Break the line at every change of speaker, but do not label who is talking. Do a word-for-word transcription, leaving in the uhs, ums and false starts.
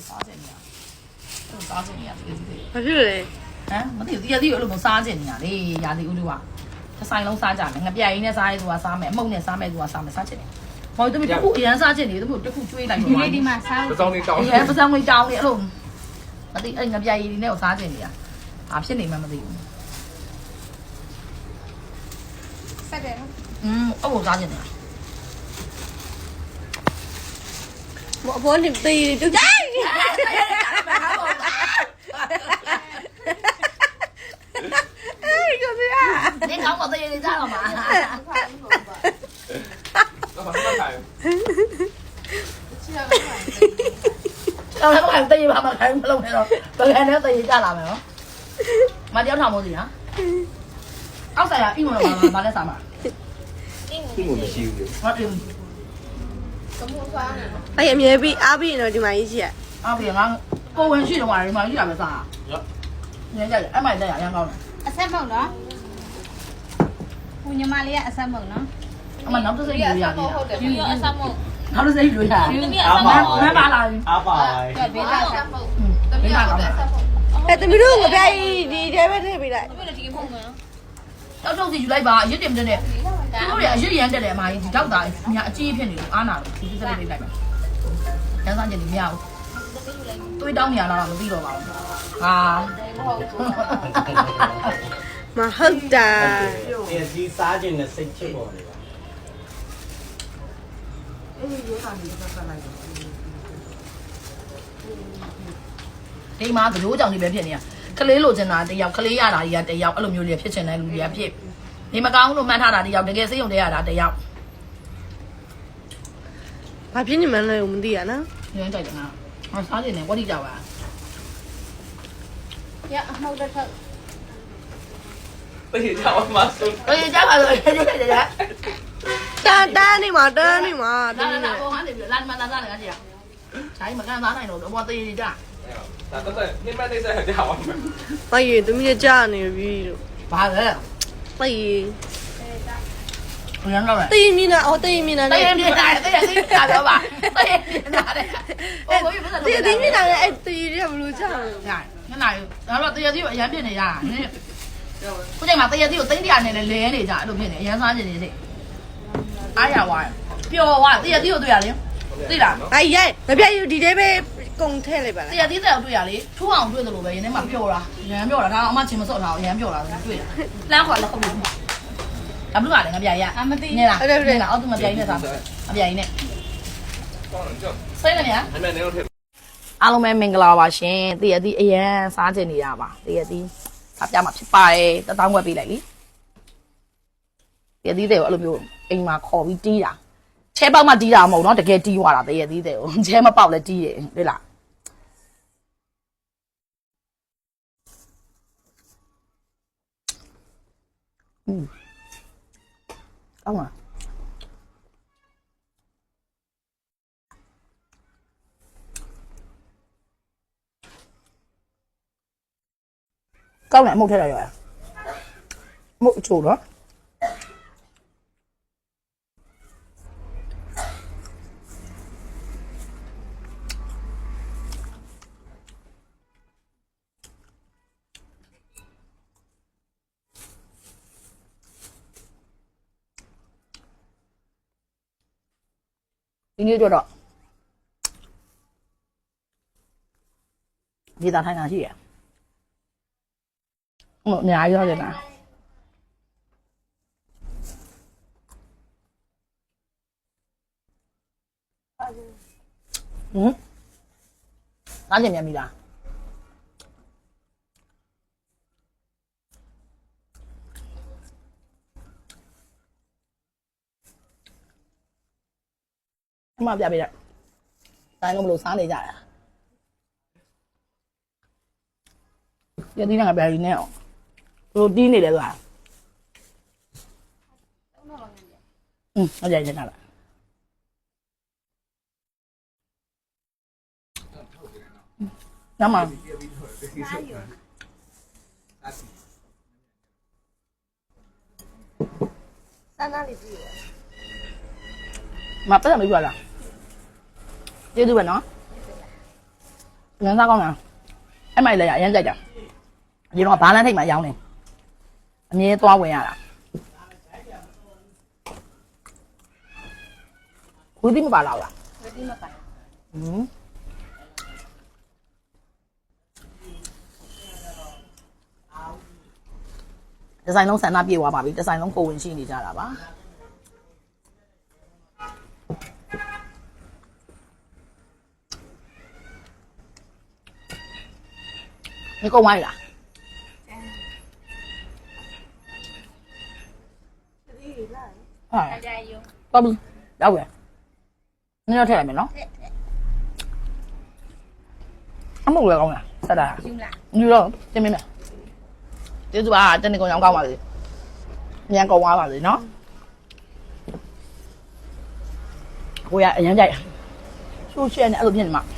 စားချင်နေတာစားချင်နေတာတကယ်ကြီးတယ်
ဘာဖြစ်လဲ
ဟမ်မသိဘူးတကယ်ကြီးအဲ့လိုမျိုးစားချင်နေတာလေရာသီဥတုကတစ်ဆိုင်လုံးစားကြမယ်ငပြိုင်နဲ့စားရဲဆိုတာစားမယ်အမုံနဲ့စားမယ်ဆိုတာစားမယ်စားချင်တယ်ဟောတမီးတခုအရန်စားချင်တယ်တခုတခုကျွေးလိုက်ပါဒီနေ့ဒီမှာစားပစောင်းလေးတောင်းတယ်ပစောင်းလေးတောင်းတယ်အဲ့လိုမသိအဲ့ငပြိုင်ရည်နဲ့ကိုစားချင်နေတာဘာဖြစ်နေမှမသိဘူးဆက်တယ်နော်อืมအဲ့လိုစားချင်နေတာ
ဘောဘောနေတေးတူကြိုက်အေးကဗျာ
你搞我的也得咋了嘛？เราแล้วก็ตีมามาใครมาลงเลยเนาะตัวแค่นี้ตีจ้าละไหมเนาะมาเดี๋ยวทำโมสินะเอาใส่อะอิ่มหรอมามาได้สามอ่ะอิ่มหมดไม่ชิวเลยมาอิ่ม
အဲ့အမြဲပြီးအားပြီးတော့ဒီမှာကြီးရှိရ
အားပြီးငါကိုဝင်ရှိတော့မှာဒီမှာရှိတာပဲစားညညအဲ့မိုက်တက်ရအရင်ကောင်းတယ်
အဆက်မုံနော်ဦးညီမလေးကအဆက်မုံနော်
အမနောက်တစ်စိတ်ယူရသေးတာ
ယူရအဆက်မုံ
နောက်တစ်စိတ်ယူရ
ယူမီအဆက်မုံ
မပါလာ
အားပါ
ဘေးသားဆက်မုံ
ဘေးသားကောင်းတယ်
အဲ့တမီးတို့ငပြိုင်ဒီတဲပဲထည့်ပေးလိုက်
ဘယ်လိုဒီဖုန်းမလဲ
တောက်တောက်စီယူလိုက်ပါအရစ်တင်တဲ့သူတို့တွေအရစ်ရမ်းတက်တယ်အမကြီးဒီတောက်တာညာအကြီးဖြစ်နေလို့အားနာလို့ဒီစက်လေးလိုက်ပါကျန်းစားကျင်နေမရဘူးတွေးတောင်းနေရလားမသိတော့ပါဘူးဟာ
မဟုတ်တာ
ဒီစီစားခြင်းနဲ့စိတ်ချပေါ်နေပါ
အေးရိုးတာနေပတ်ပတ်လိုက်ဒီမှာသရိုးကြောင်တွေပဲဖြစ်နေရကလေးလိုချင်တာတယောက်ကလေးရတာကြီးကတယောက်အဲ့လိုမျိုးတွေဖြစ်ချင်တဲ့လူတွေကဖြစ်ဒီမကောင်းလို့မှန်းထားတာတယောက်တကယ်စိတ်ယုံတဲ့ရတာတယောက်
ဘာဖြစ်နေမှန်းလဲမသိရနော်
ညွှန်းကြိုက်တယ်ငါငါစားနေတယ်ဝတ်တိကြပါ
ရအမောက်တစ်ထပ်
တေးကြအောင်မဆုံး
အေးကြပါလို့ကြည့်ကြည့်ကြည့်
တန်တန်းနေမှာတန်းနေမှာ
လာလာလာဘောဟန်နေပြီလာမလာလာလာကြည့်ချိုင်းမကန်သားနိုင်တော့ဘောသေးကြ
ဒါတော့နိမနေစားကြအောင်
မရေသူမြကြာနေပြီလို့
ဘာလဲ
တေး
ဘယ်တော့လဲ
တေးမြင်တာအော်တေးမြင်တာ
တေးမြင်တာတေးသိတာတော့ပါတေးမြင်တာတဲ့ဟိုကိုဘယ်တော့
တေးမြင်တာလည်းအဲ့တေးရဘလို့ကြာလဲ
ညာညနာဒါတော့တေးသေးကိုအရန်ဖြစ်နေရတာနင်းခုချိန်မှာတေးသေးကိုသိန်းတရာနဲ့လဲနေကြအဲ့လိုဖြစ်နေအရန်စားနေနေအားရဝါပျော်ဝါတေးသေးကိုတွေ့ရလေသိလား
အေးရဲငပြိုင်ဒီတဲပဲကုန်ထဲလိုက်ပါလား
တရားသေးတယ်တွေ့ရလေထူအောင်တွေ့တယ်လို့ပဲရင်းထဲမှာပျော်တာရမ်းပျော်တာဒါအမချင်းမစော့တာရမ်းပျော်တာတွေ့တာလမ်းခေါ်လက်ခုပ်လို့အဘလူကလည်းငပြိုင်ရ
အမသိ
နေလားနေလားအောက်သူငပြိုင်နဲ့သားငပြိုင်နဲ့စိတ်နဲ့ညာ
အမေနေတော့ထည့်
အားလုံးပဲမင်္ဂလာပါရှင်တည့်ရသည်အရန်စားချင်နေတာပါတည့်ရသည်အပြမှာဖြစ်ပါတယ်တတောင်းွက်ပေးလိုက်လीတည့်ရသည်တွေကိုအဲ့လိုမျိုးအိမ်မှာခေါ်ပြီးတီးတာချဲပေါက်မှတီးတာမဟုတ်တော့တကယ်တီးသွားတာတည့်ရသည်တွေကိုချဲမပေါက်လည်းတီးတယ်တွေ့လားอืมကောင်းလားကောင်းတယ်အမုတ်ထက်ရရအမုတ်အချို့နော်ဒီနေ့တော့ဒီသားထိုင်တာရှိရဟိုနေရာရောက်တယ်လားဟမ်အားကြမြင်ပြီလားအမပြပေးလိုက်တိုင်းလုံးမလို့စားနေကြတာရည်ဒီနဲ့ငါပြရည်နဲ့အောင်ပရိုတင်းနေတယ်ကွာอืมဟုတ်တယ်ကျန်တာလားညမ
စမ်းသားလေးကြည့်ရ
မပတ်တယ်မပြောလားကျေးဇူးပဲနော်ငန်းစားကောင်းလားအဲ့မိုက်လည်းရအရင်ကြိုက်တာဒီတော့ဘာလန်းထိတ်မှရောင်းနေအမြဲသွားဝင်ရတာဝီဒီမပါလားလား
ဝတိမပိုင်
ဟင်းဒီဇိုင်းလုံးဆန္ဒပြေသွားပါပြီဒီဇိုင်းလုံးကိုဝင်ရှိနေကြတာပါ你够歪啦？哎，
ကြိုင်ယူ
到不？要不？你要吃来没喏？阿木来讲呀，啥的？
ယူလား
你说见没没？这是吧？真的跟羊羔嘛的，羊羔娃嘛的喏。我呀，人家说现在二十片嘛，